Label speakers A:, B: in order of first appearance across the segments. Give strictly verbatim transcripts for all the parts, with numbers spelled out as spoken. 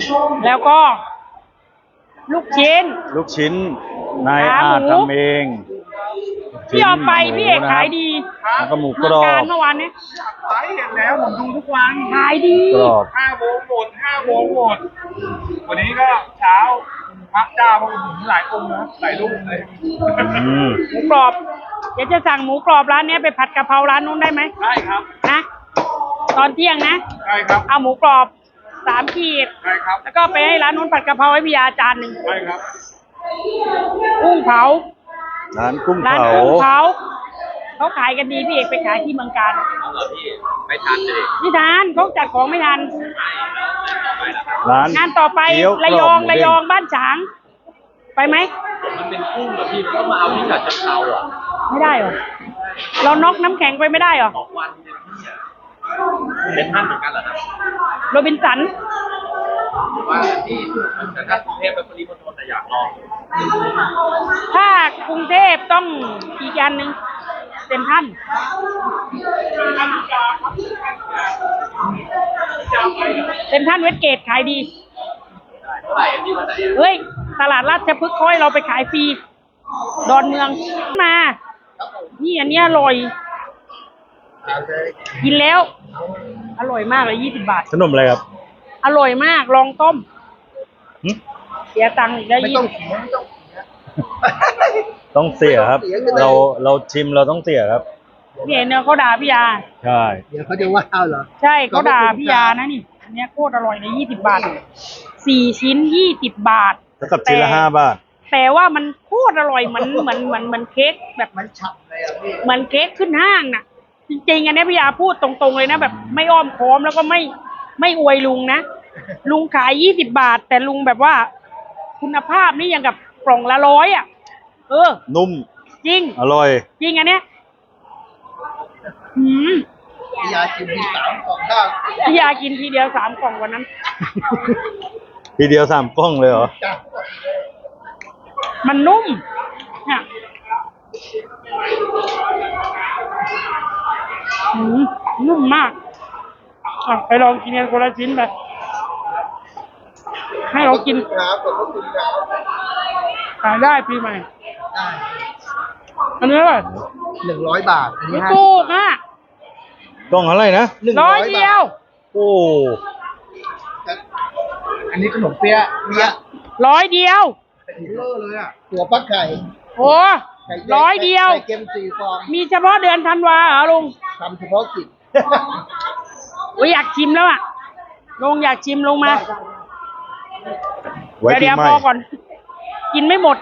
A: แล้วก็ ลูกชิ้น
B: ลูกชิ้นนายอาจทำเอง
A: พี่เอาไปพี่เอกขายดี
B: แล้วก็หมูกร
A: เมื่อ
B: อ
A: การ
B: บ
A: เมื่อวานนี้
C: ไปเห็นแล้วผมดูทุกวัน
A: ขายดี
B: กรอบ
C: ห้าโมงหมดห้าโมงหมดวันนี้ก็เช้าพระเจ้าพระองค์หลายองค์นะหลายรูปเลย
B: อืม
A: หมูกรอบเดี๋ยวจะสั่งหมูกรอบร้านนี้ไปผัดกะเพราร้านนู้นได้ไหม
C: ได้ครับ
A: นะตอนเที่ยงนะ
C: ได้ครับ
A: เอาหมูกรอบสามขีด
C: ได้ครับ
A: แล้วก็ไปให้ร้านนู้นผัดกะเพราให้พี่ยาจานหนึ่ง
C: ได้ครับ
A: กุ้งเผา
B: ร้านกุ้ง
A: ร้าน
B: เผา
A: กุ้งเผาเขาขายกันดีพี่เอกไปขายที่เมืองการ
C: เอาเหรอพี่ไม่ทันเลย
A: ไม่ทันเขาจัดของไม่ทัน
B: ร้าน
A: งานต่อไป
B: เกี๊ยว
A: ระย
B: ก
A: อง
B: หมู
A: ระ
B: เด้
A: ยองบ้านฉาง ไปไหม
C: มันเป็นกุ้งเหรอพี่ก็มาเอาที่ฉะเชิงเทราอ่ะ
A: ไม่ได้เหรอเราน็อกน้ำแข็งไปไม่ได้เหรอ
C: สองวันเนี่ยพี่อ่ะเป็นท่านเหมือนกันเหรอครับ
A: โรบินสัน
C: ว่าที่แต่ถ้ากรุงเทพเป็นปริมณฑลแต่อยากลอง
A: ถ้ากรุงเทพต้องอีกอันหนึ่งเต็มท่านเต็มท่านเวสเกตขายดี
C: เท่าไหร่พี่วันไหน
A: เฮ้ย ตลาดราชพฤกษ์ค่อยเราไปขายฟรี ดอนเมืองมา นี่อันนี้อร่อย กินแล้ว อร่อยมากเลยยี่สิบบาท
B: ขนมอะไรครับ
A: อร่อยมาก ลองต้ม
B: หึ
A: เสียตังค์อีกได้
D: ไม่
A: ยี่
D: ต้อง
A: สิบ
D: เสียไม่ต้อง
B: ต้องเสียครับ เราเราชิมเราต้องเสียครับ
A: พี่เห็นเนี่ยเขาด่าพี่ยา
B: ใช่
D: เดี๋ยวเขาจะว่าเอาเหรอ
A: ใช่เขาด่าพี่ยานะนี่ อันเนี้ยโคตรอร่อยเลยยี่สิบบาท สี่ชิ้นยี่สิบบาท
B: แล้วกับชิ้นละห้าบาท
A: แต่ว่ามันโคตรอร่อยเหมือนเหมือนเหมือนเหมือนเค้กแบบ
D: มันฉ่ำเลยอ่ะพี่
A: เหมือนเค้กขึ้นห้างน่ะ จริงๆอันเนี้ยพี่ยาพูดตรงๆเลยนะแบบไม่อ้อมค้อมแล้วก็ไม่ไม่อวยลุงนะ ลุงขายยี่สิบบาท แต่ลุงแบบว่า คุณภาพนี่ยังกับกล่องละร้อยอ่ะ เออ
B: นุ่ม
A: จริง
B: อร่อย
A: จริงอันเนี้ยหืม
D: พี่ยากินที่สามของข้าว
A: พี่ยากินทีเดียวสามกล่องวันนั้น
B: ทีเดียวสามกล้องเลยเหรอ
D: จ้ะ
A: มันนุ่มเนี่ยหืมนุ่มมากอ่ะไปลองกินกันคนละชิ้นไป ให้เรากิน
D: ครับขอบพระคุณครับ
A: ขายได้ปีใหม่
D: ได้
A: อันนี้เลย
D: หนึ่งร้อยบาท อันนี้
A: ไม่
D: ห้า
A: ถูกอ่ะ
B: กล้องอะไรนะ
D: หนึ่ง
A: ร้
D: ร้
A: อ
D: อย ย
A: เดีย
D: บาว ท
B: โอ้
D: อันนี้ขนมเปี๊ยะเปี๊ยะ
A: ร้อยเดียว
D: เลอะเลยอ่ะตัวปลาไก่
A: โอ้
D: ไก่
A: ร้อยเดียว
D: ไก่เค็มสี่ฟอง
A: มีเฉพาะเดือนธันวาเหรอลุง
D: ทำเฉพาะกิจ
A: โอ้ยอยากชิมแล้วอ่ะลุงอยากชิมลงมา
B: ไว้
A: เดี๋ยว
B: ปี
A: เดี๋ยว
B: ใหม่
A: พอก่อน กินไม่หมด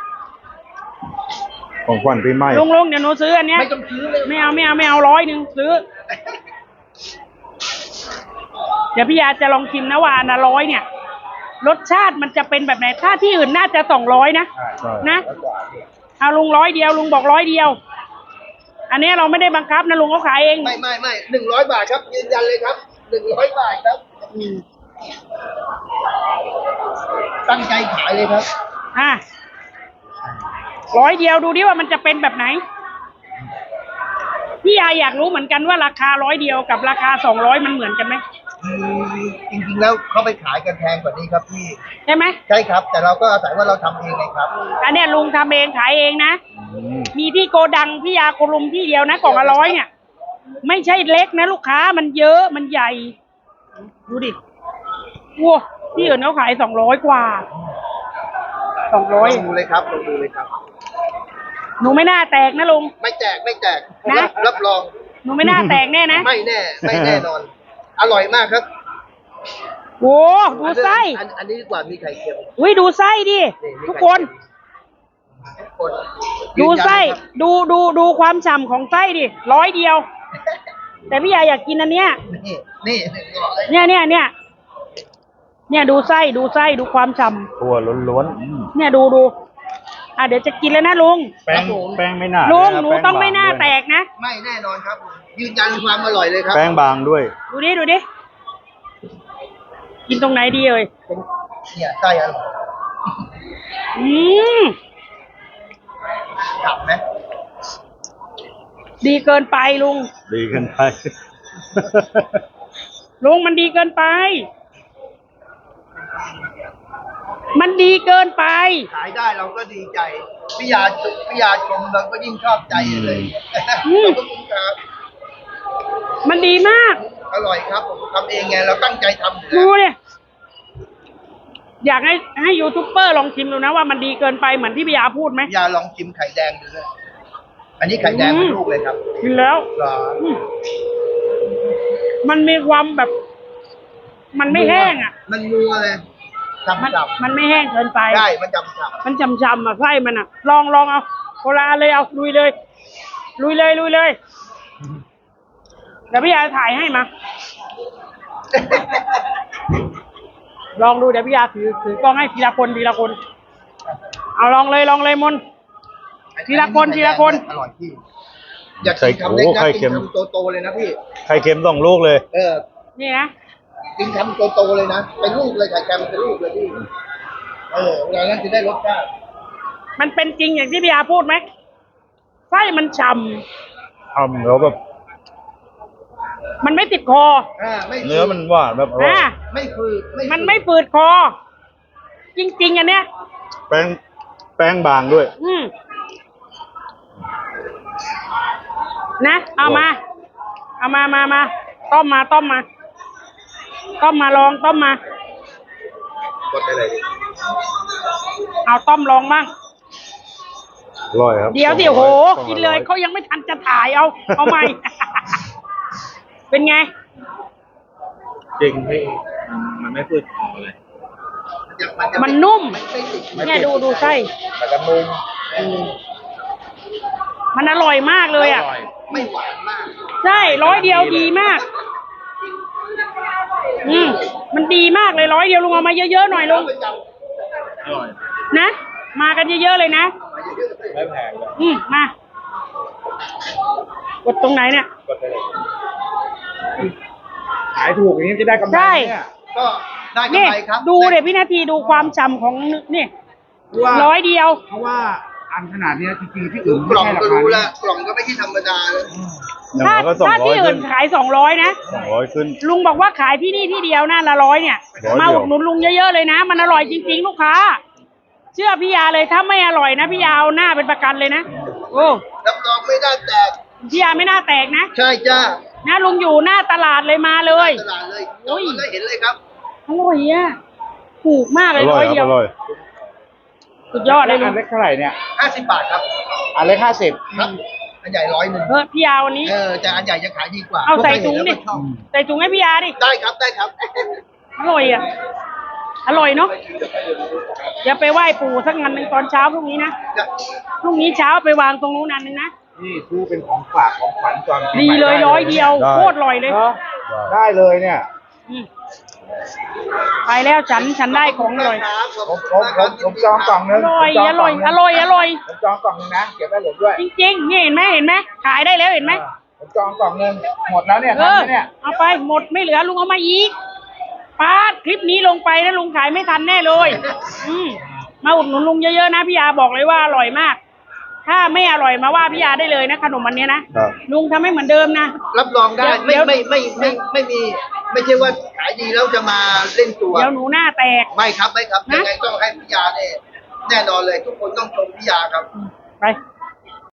B: ของขวัญปีใหม่
A: ลุงลุงเดี๋ยวหนูซื้ออันเนี้ย
D: ไม่ต้องซื้อเลย
A: ไม่เอาไม่เอาไม่เอาร้อยหนึ่งซื้อ เดี๋ยวพี่ยาจะลองชิมนะว่าอันละร้อยเนี่ย รสชาติมันจะเป็นแบบไหน ถ้าที่อื่นน่าจะสองร้อยนะ
B: ใช่
A: นะ เอาลุงร้อยเดียวลุงบอกร้อยเดียว อันนี้เราไม่ได้บังคับนะลุงเขาขายเอง
D: ไม่ไม่ไม่หนึ่งร้อยบาทครับยืนยันเลยครับหนึ่งร้อยบาทครับ
A: อืม
D: ตั้งใจขายเลยครับ
A: อ่ะร้อยเดียวดูดิว่ามันจะเป็นแบบไหน พี่ยาอยากรู้เหมือนกันว่าราคาร้อยเดียวกับราคาสองร้อยมันเหมือนกันไหม
D: อืมจริงๆแล้วเขาไปขายกันแพงกว่านี้ครับพี่
A: ใช่ไหม
D: ใช่ครับ แต่เราก็อาศัยว่าเราทำเองไงครับ
A: อันเนี้ยลุงทำเองขายเองนะ
B: อืม
A: มีที่โกดังพี่ยาโกลุมที่เดียวนะกล่องละร้อยเนี่ย ไม่ใช่เล็กนะลูกค้ามันเยอะมันใหญ่ ดูดิว้าที่อื่นเขาขายสองร้อยกว่าสองร้อย
D: ลองดูเลยครับลองดูเลยครับ
A: หนูไม่น่าแตกนะลุง
D: ไม่แจกไม่แจก
A: นะ
D: รับรับรอง
A: หนูไม่น่าแตกแน่นะ
D: ไม่แน่ ไม่แน่นอน อร่อยมากครับ
A: โอ้ดูไส้
D: อันอันนี้ดีกว่ามีไข่เค็ม
A: อุ้ยดูไส้ดิ
D: นี่มี
A: ทุก
D: ไข่
A: คน
D: เค็มทุกคน
A: ดูไส้
D: ยืนยันเลยครับ
A: ดูดูดูความฉ่ำของไส้ดิร้อยเดียว แต่พี่ยาอยากกินอันเนี้ย
D: นี่นี่หนึ่งร้อย
A: เนี่ยเนี่ยเนี่ยเนี่ยดูไส้ดูไส้ดูความฉ่
B: ตัวล้วนๆอืม
A: ำเนี่ยดูดูอ่ะเดี๋ยวจะกินแล้วนะลุง
B: แป้งแป้งไม่หนา
A: ลุง
B: ด้วยะ
A: หนู
B: แป้
A: ต้องไม่
B: บ
A: น่า
B: ด้วย
A: แตกนะ
D: ไม่แน่นอนครับ ยืนยันความอร่อยเลยครับ
B: แป้งบางด้วย
A: ดูดิดูดิกินตรงไหนดีเอ่ย
D: เป็นเนี่ยไส้อร่อย
A: อืม
D: กลับไหม
A: ดีเกินไปลุง
B: ดีเกันไป
A: ลุงมันดีเกินไปมันดีเกินไป
D: ขายได้เราก็ดีใจพี่ยาพี่ยาชมเราก็ยิ่งชอบใจเลย
A: อืม
D: ขอบคุณครับ
A: มันดีมาก
D: อร่อยครับผมทำเองไงเราตั้งใจทำอยู่
A: ดู
D: แล้ว
A: เนี่ยอยากให้ให้ยูทูบเบอร์ลองชิมดูนะว่ามันดีเกินไปเหมือนที่พี่ยาพูดไหม
D: พี่ยาลองชิมไข่แดงดูเลยอันนี้ไข่แดงเป็นลูกเลยครับ
A: กินแล้ว
D: เหรอ
A: อืมมันมีความแบบ มันไม่แห้งอ่ะ
D: มันนัวเลยจำ
A: มัน
D: จ
A: มันไม่แห้งเกินไป
D: ำได้มันจำจำ
A: มันจำจำๆอ่ะไส้มันอ่ะ ลองลองเอาโคลาเลยเอาลุยเลย ลุยเลยลุยเลยเดี๋ยวพี่ยาถ่ายให้มา ลองดูเดี๋ยวพี่ยาถือถือกล้องให้ทีละคนทีละคน เอาลองเลยลองเลยมน ทีละคนทีละคน
D: อร่อยพี่อยากกินคำเล็กนะกินคำโตๆเลยนะพี่
B: ไข่เค็มสองลูกเลย
D: เออ
A: นี่นะ
D: กินคำโตๆเลยนะเป็นลูกเลยไข่แกงเป็นลูกเลยพี่เออเวลานั้นจะได้รสชาติ
A: มันเป็นจริงอย่างที่พี่ยาพูดไหมไส้มันฉ่
B: ทำแล้วแบบ
A: ำมันไม่ติดคอ
D: อ่าไม่ฝืด
B: เนื้อมันหวานแบบอร่อย
A: อ่า
D: ไม่ฝืดฝืด
A: มันไม่ฝืดคอ จริง ๆ อันเนี้ย
B: แป้งแป้งบางด้วย
A: อืมนะเอามา เอามามามาต้มมาต้มมาต้มมาลองต้มมา
D: กดไปเลย
A: เอาต้มลองบ้าง
B: อร่อยครับ
A: เดี๋ยวสิ
B: สอง
A: โห
B: ร้อย
A: กินเลย
B: สองร้อ
A: เขายังไม่ทันจะถ่ายเอา เอาใหม่ เป็นไง
C: จริงพี่มันไม่พืดคอเลย
D: จะจะ
A: มันนุ่ม
D: ไม่ไม่ติด
A: เนี่ยดูดูไส้
C: แล้วก็นุ่ม
A: มันอร่อยมากเลยอ่ะ
C: ร่อย
D: ไม่หวานมาก
A: ใช่ร้อยเดียวดีมาก อืมมันดีมากเลยร้อยเดียวลุงเอามาเยอะๆหน่อยลุง
D: ประจ
C: อร่อย
A: นะ มากันเยอะๆเลยนะ
D: ำมาเยอะๆเลย
C: ไม่แพงเลย
A: อืมมา กดตรงไหนเนี่ย
C: กดไปเลยขายถูกอย่างนี้จะได้กำไร
A: ใช่
C: เนี่ย
D: ก็ได้กำ
A: นี่
D: ไรครับ
A: ดูเดี๋ยวพี่นาทีดูความฉ่ำของนี่
C: ว่า
A: ร้อยเดียว
C: เพราะว่าอันขนาดเนี้ยจริงๆที่อื่น
D: ก
C: ไม่
D: ล่อง
C: ใช่รา
D: ก็
C: คา
D: รู้
C: นี้
D: แล้วกล่องก็ไม่ใช่ธรรมดาเลย
B: อย่าง
A: ถ้า
B: น้อยก็สอง
A: ถ้า
B: ร้อ
A: ที่
B: ย
A: อื่
B: ขึ้
A: น
B: น
A: ขายสองร้อยนะ
B: สองร้อยขึ้น
A: ลุงบอกว่าขายที่นี่ที่เดียวนะละร้อยเนี่ย
B: ร้อยเดียว
A: มาอุดหนุนลุงเยอะๆเลยนะ มันอร่อยจริงๆลูกค้า เชื่อพี่ยาเลยถ้าไม่อร่อยนะพี่ยาเอาหน้าเป็นประกันเลยนะ โอ้
D: รับรองไม่ได้แตก
A: พี่ยาไม่น่าแตกนะ
D: ใช่จ้า
A: นะลุงอยู่หน้าตลาดเลยมาเลย
D: ตลาดเลย
A: โอ้ย
D: ได้เห็นเลยครับ
A: อร่อยอ่ะถูกมากเล
B: อย ร่
A: ร้
B: อ
A: อย ย
B: ค
A: เดีย
B: รับ
A: ว
B: อร่อย
A: สุดยอดเลยลุ
C: อั
A: ง
C: นเล็กเท่าไหร่เนี่ย
D: ห้าสิบบาทครับ
C: อันเล็กห้าสิบ
D: ครับ อันใหญ่ร้อยหนึ่ง
A: เออพี่ยาวันนี้
D: เออแต่อันใหญ่จะขายดีกว่า
A: เอาใส่ถุงดิ
D: เพราะใครเห็นแล้วก็ชอบ
A: ใส่ถุงให้พี่ยาดิ
D: ได้ครับได้ครับ
A: อร่อยอ่ะ อร่อยเนาะอย่าไปไหว้ปู่สักงานหนึ่งตอนเช้าพรุ่งนี้นะ พรุ่งนี้เช้าไปวางตรงนู้นนันหนึงนะ
C: นี่ซื้อเป็นของฝากของขวัญตอนปี
A: ดี
C: ใหม่
A: เลย
C: ไ
A: ร้อยเดียว
B: ได้
A: โคตรอร่อยเลย
C: เนอะได้เลยเนี่ย
A: อืมไปแล้วฉันฉันได้ของอร่อย
C: ผมผมผมผมจองกล่องนึ
A: อง ร่อย
C: ผมจ
A: อง
C: ก
A: ร่
C: ล่
A: อย
C: งนึง
A: อร่อยอร่อย
C: ผมจองกล่องนึงนะเก็บไว้ผมด้วย
A: จริงๆนี่เห็นไหมเห็นไหมขายได้แล้วเห็นไหม
C: ผมจองกล่องนึงหมดแล้วเนี่ย
A: เอ
C: ทัน
A: อ
C: ไหมเนี่ย
A: เอาไปหมดไม่เหลือลุงเอามาอีกปาดคลิปนี้ลงไปนะลุงขายไม่ทันแน่เลย อืมมาอุดหนุนลุงเยอะๆนะพี่ยาบอกเลยว่าอร่อยมาก ถ้าไม่อร่อยมาว่าพี่ยาได้เลยนะขนมอันเนี้ยนะครับ ลุงทำให้เหมือนเดิมนะ
D: รับรองได้
A: เดี๋
D: ไม่
A: ยว
D: ไม่ไม่ไม่ไม่มี ไม่ใช่ว่าขายดีแล้วจะมาเล่นตัว
A: เดี๋ยวหนูหน้าแตก
D: ไม่ครับไม่ครับ
A: นะ
D: ยังไงต้องให้พิยาเนี่ยแน่นอนเลย ทุกคนต้องชมพิยาครับ
A: ไป